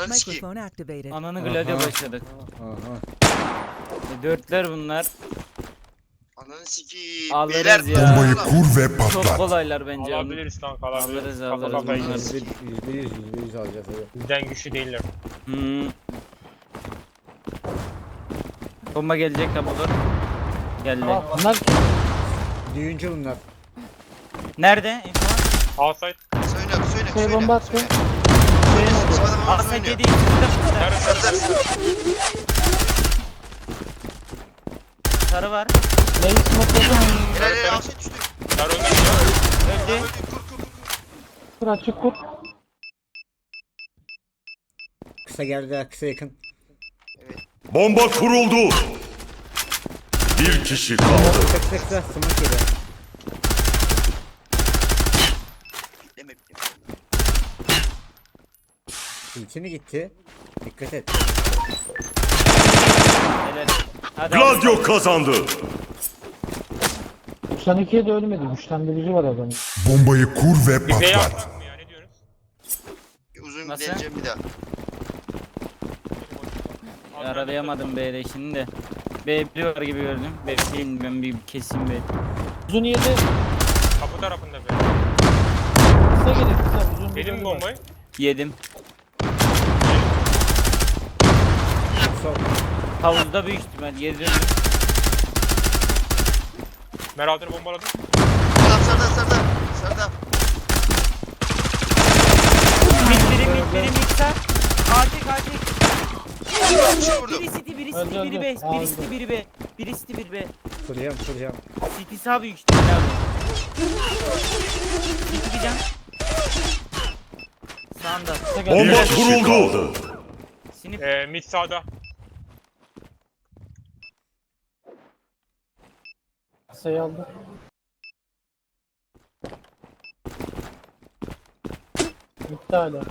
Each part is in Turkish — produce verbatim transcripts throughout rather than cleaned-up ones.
Ananı sikeyim. Microphone activated. Ananı Gladio Aha. başladık. Aha. E, dörtler bunlar. Ananı sikeyim. Alırız Beyler, ya. Bombayı lan. kur ve Çok patlat. kolaylar bence. Alabiliriz kanka alabiliriz. Alırız, Kafa alırız kafaya bunları. gideriz. Yüzde yüz, yüzde yüz, yüzde yüz alacağız hadi. Bizden güçlü değiller. Hmm. Bomba gelecek de olur. Geldi. Bunlar düğüncü bunlar. Nerede? İnfo. Outside. Söyle abi söyle. Şey, söyle. bomba attı. Söyle. Bizim adam orada Asla oynuyor. kedi. Nerede? Sarı sarı sarı. Sarı var. Helal helal afiyet düştü. Dar önde. Öldü. Kur kur kur. Kısa geldi, kısa yakın. Bomba kuruldu. Bir kişi kaldı. Kısa kısa kısa smoke yedi. Deme bitti. İlki mi gitti? Dikkat et. Helal. Hadi Gladio kazandı. doksan ikiye de ölmedi. Güçlendirici var adamın. Bombayı kur ve Bir B patlat. yaptık mı ya ne diyorsunuz? Uzun Nasıl? deneyeceğim bir daha. Yaralayamadım B'de şimdi de. B bir var gibi gördüm. B değil ben bir kesin B. Uzun yedi. Kapı tarafında be. Kısa gelir kısa. Uzun Yedim mi uzun bombayı? Yedim. Sol. Havuzda büyük ihtimal yedim. Meraltını bombaladım. Adam sarda sarda. Sarda. Mid biri mid biri mid sar. Artık artık. Bir şey vurdum. Biri city biri Öldü, city biri öldü. B. Biri Aldı. city biri B. Biri city biri B. Kuracağım, kuracağım. City sağ büyük ihtimal abi. City bir can. Sağında. kısa gelir. Bomba Bir kişi kuruldu. kaldı. Sinip. Ee, mid sağda. Kısayı aldı. Bitti hala.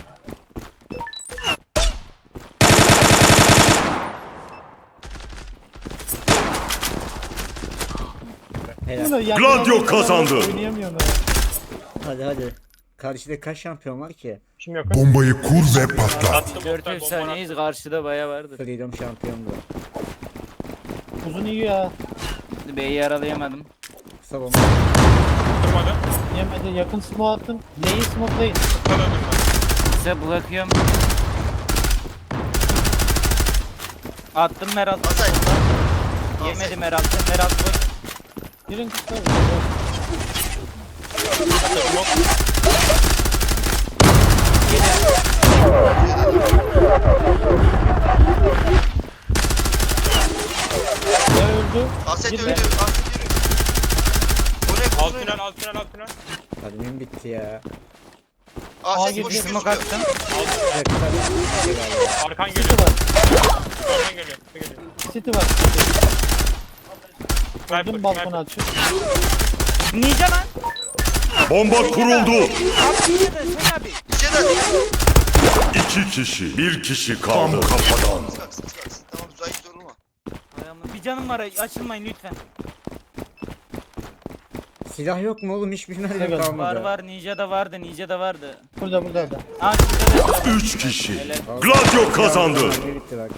Helal. Bunu yan- Gladio yan- kazandı. Oynayamıyorum ya. Hadi hadi. Karşıda kaç şampiyon var ki? Kim yakın? Bombayı kur ve patlat. Attım. dört Oktay, efsaneyiz karşıda baya vardır. Freedom şampiyondu. Uzun iyi ya. B'yi yaralayamadım. Kısa bomba. Durmadı. Yemedi. Yakın smoke attım. Neyi smokelayın? Kısa döndüm ben. Size bırakıyorum. Attım Meral. Asay. Yemedi Meral. Meral boş. Girin kısa. Ne öldü? Aset Gir öldü. be. Aset yürü. Oraya Alt kusun tünel oyna. alt tünel alt tünel. Admin bitti ya. Aset girdi. boş Smoke gözüküyor. attım. Kısa kısa. Hadi galiba. Arkan City geliyor. var. Arkan geliyor. Kısa geliyor. City var. Sniper, Öldüm balkona sniper. açık. Ninja lan. Bomba kuruldu. Abi Ninja da sen abi. Bir şey daha. İki kişi. Bir kişi kaldı. Tam kafadan. Sıkak sıkak sıkak. Tamam zayıf durma. Ayağımda- Bir canım var açılmayın lütfen. Silah yok mu oğlum? Hiçbir mermi Var, kalmadı. Var var Ninja da vardı Ninja da vardı. Burada burada da. Aa şurada da. Üç kişi. Helal. Gladio kazandı. Mermi bitti bak.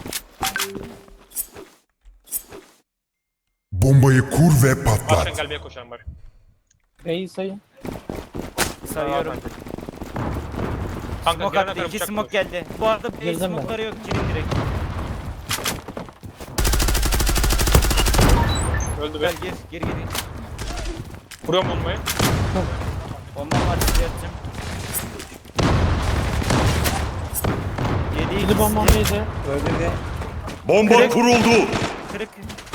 Bombayı kur ve Arkan patlat. gelmeye koşan bari. B'yi sayın. Sayıyorum. Kanka Smoke girene attı. kadar İki bıçak smoke koş. geldi. Bu arada B Girdim ben. smoke'ları yok. Girin direkt. Öldü be. Gel gir gir gir. Vuruyorum bombayı. Bombam var size atacağım. Yedi Yedi ikisi. bombam yedi. Öldü de. Bomba Kırık. kuruldu. Kırık.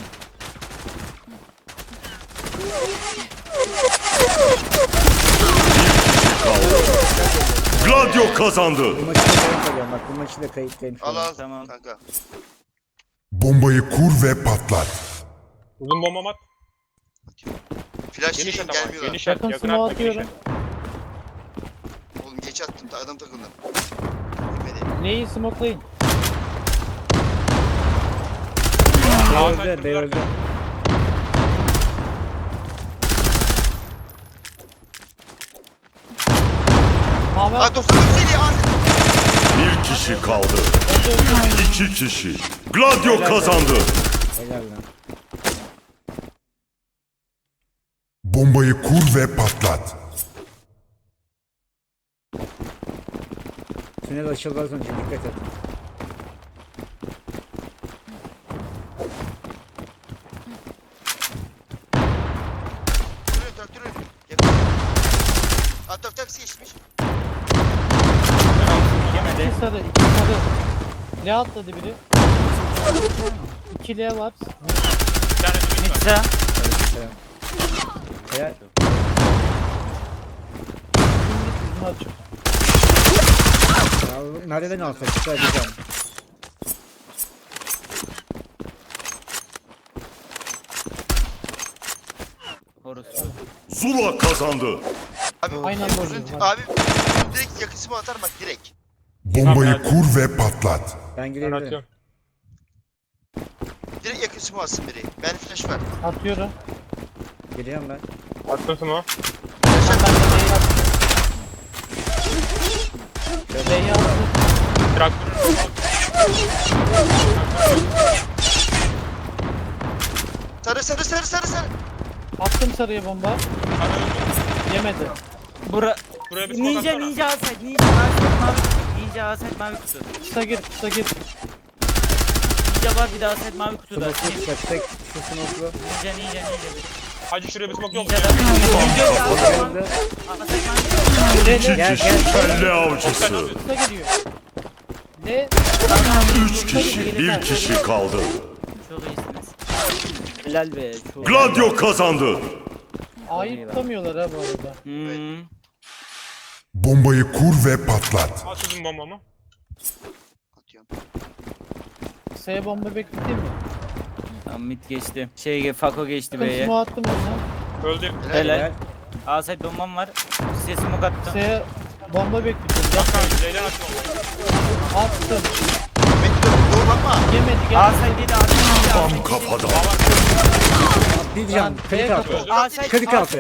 Gladio kazandı. Bu maçı da kayıt alıyorum bak. Bu maçı da kayıttayım. şu Al an. al. Tamam. Kanka. Bombayı kur ve patlat. Uzun bombam at. Flash Geniş yiyeyim at ama. gelmiyorlar. Geniş at. Yakın Yakın smoke atma geniş atıyorum. at. Oğlum geç attım. ta- Adam takıldı. Gitmedi. Neyi smokelayın? B Outside öldü, B vurdular. öldü. Mavi Aa doksan dört seri. Aset. Bir kişi kaldı. İki kişi. Gladio kazandı. Helal lan. Bombayı kur ve patlat. Tünel açıldı az önce, dikkat et. Duruyor traktörü. Yakın. Atak taksi geçmiş. Yemedi. İki sarı, iki sarı. L atladı biri. İki L var. Bir tane de mid var. Mitsa. Selam. Helal. Yüzünü açık. Ya, nereden alsak? Çıkar diyeceğim. Horus. Zula kazandı. Abi, Aynen uzun- böyle. Abi direkt yakısı mı atar bak direkt. Bombayı kur ve patlat. Ben Ben girebilirim. atıyorum. Direkt yakısı mı atsın biri. Ben flash ver. Atıyorum. Geliyorum ben. Attım sana. Flash Ben at. de L'yi attım. L'yi attım. Traktörün Sarı sarı sarı sarı sarı. Attım sarıya bomba. Yemedi. Bura. Buraya bir smoke Ninja atsana. ninja aset ninja aset mavi. Ninja aset mavi kutu. Kısa gir, kısa gir. Ninja var bir daha aset mavi kutuda. Smoke'lu kaçtık. Şu smoke'lu. Ninja ninja ninja. Hacı şuraya bir smoke yok mu? Ninja da ninja da aset mavi. Geldi. Aset mavi. İki Gel, kişi gel. kelle avcısı. Kısa geliyor. L. Üç kişi. Bir kişi kaldı. Çok iyisiniz. Helal be. Çok. Gladio kazandı. A'yı tutamıyorlar ha bu arada. Hmm. Bombayı kur ve patlat. Al sizin bombamı. Atıyorum. Kısaya bomba bekleteyim mi? Tamam mid geçti. Şey Fako geçti Bakın B'ye. smoke attım ona. Öldü. Helal. Helal. Aset bombam var. Size smoke attım. Kısaya bomba bekletiyorum. Bak kanka Leyla attım bombayı. Attım. Bekle doğru bakma. Yemedi gel. Aset yedi aset yedi. Tam kafada. Bir diyeceğim. Kırık altı. Öldü. Aset. Kırık altı.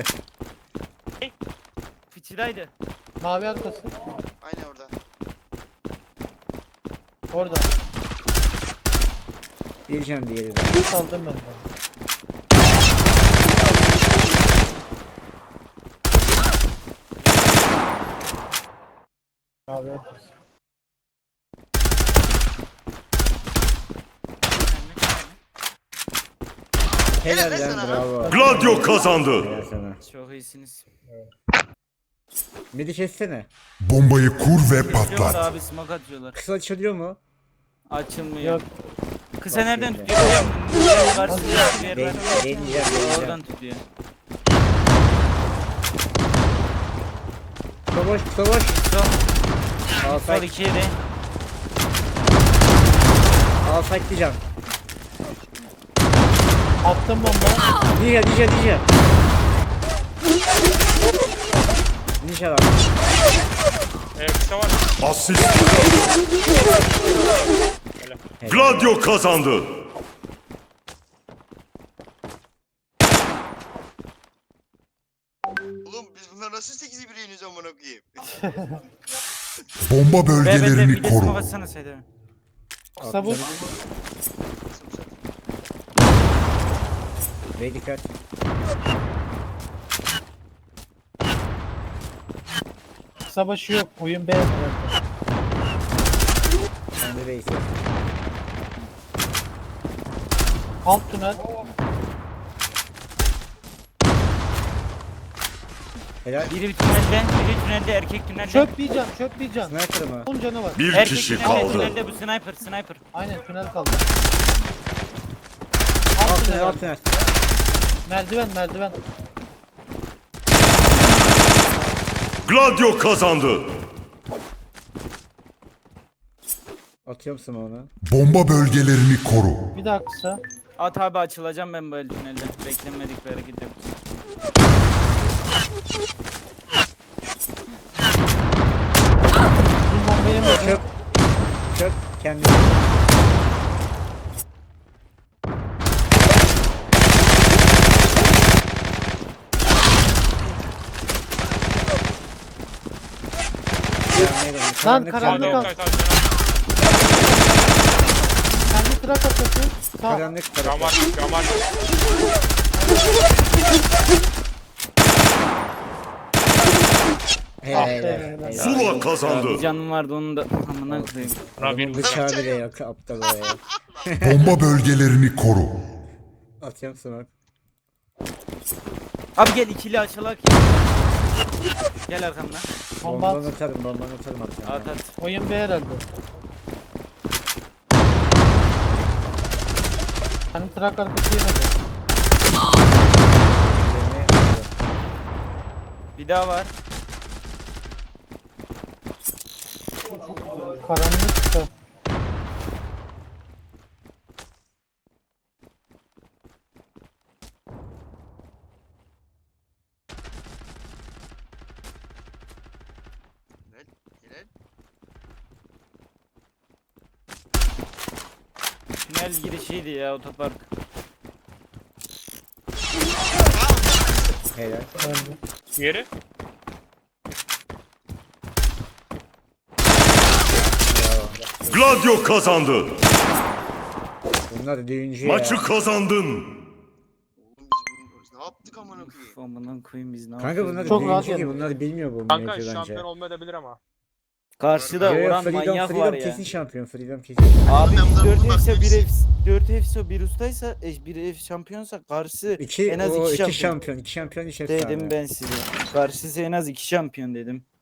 Fıçıdaydı. Mavi arkası. Aynen orada. Orada. Diyeceğim diğeri de. Saldım ben de. Mavi arkası. Helal Helal lan, sana. bravo. Gladio kazandı. Helal sana. Çok iyisiniz. Midi kessene. Bombayı kur ve Kesiyorlar patlat. abi smoke atıyorlar. Kısa açılıyor mu? Açılmıyor. Yok. Kısa nereden Bakayım tutuyor? Biliyor musun? Karşısında bir yer Den var. deneyeceğim, deneyeceğim. Oradan tutuyor. Kısa boş, kısa boş. Sol, sol Alsak, ikiye de. alsak diyeceğim. Attım bomba. Ninja, ninja, ninja. Ninja var. Ee, kısa var. Asist. Gladio kazandı. Oğlum biz bunlar nasıl sekiz bir yeniyoruz amına koyayım. Bomba Be be de bölgelerini bir de smoke koru. atsana Seyda. Kısa bu. Bey dikkat. Kısa başı yok. Oyun beyaz bıraktı. Sen de beyse. Alt tünel. Helal. Biri bir tünelde, biri tünelde, erkek tünelde. Çöp bir can, çöp bir can. Sniper mı? on canı var. Bir Erkek kişi tünelde, kaldı. tünelde bu sniper, sniper. Aynen tünel kaldı. Alt Alt tünel, tünel. alt tünel. Merdiven, merdiven. Gladio kazandı. Atıyorum sana onu. Bomba bölgelerini koru. Bir daha kısa. At abi açılacağım ben böyle tünelde. Beklenmedik bir hareket yok. Bir bomba yemedi. Çöp. Çöp. Kendini. Lan Karanlık karanlık canlı. al. Side, side, side. arkası. Sağ. Karanlık tarafı. Camar, camar. Helal. Helal. helal. Zula Bir kazandı. canım vardı onu da amına koyayım. Rabin. Bunun bıçağı bile yok aptal o ya. Bomba bölgelerini koru. Atıyorum sana. Abi gel ikili açılak ya. Gel arkamdan. Bomba Bombanı at. atarım, bombanı atarım atacağım. At at. Oyun B herhalde. Hani trak arkası yemedi. Bir daha var. Karanlıkta. Helal. Helal. Tünel girişiydi ya otopark. Helal. Öldü. Diğeri. Gladio kazandı. Bunlar düğüncü Maçı ya. kazandın. Oğlum biz, bunu- biz ne yaptık amına koyayım? Uf, amına koyayım biz ne Kanka yapıyoruz bunlar ya? Çok rahat düğüncü ki yedim. bunlar bilmiyor bu Kanka mevzu bence. şampiyon olmayabilir ama. Karşıda Yo, yo, Orhan Freedom, manyak Freedom var ya. kesin şampiyon. Freedom kesin. Abi Ben biz bunları dört bulmak F ise bir hepsi- F dört F ise bir ustaysa e, bir F şampiyonsa karşı İki, en az o iki iki şampiyon. şampiyon. iki şampiyon, üç efsane. Dedim ben size. Karşısı en az iki şampiyon dedim.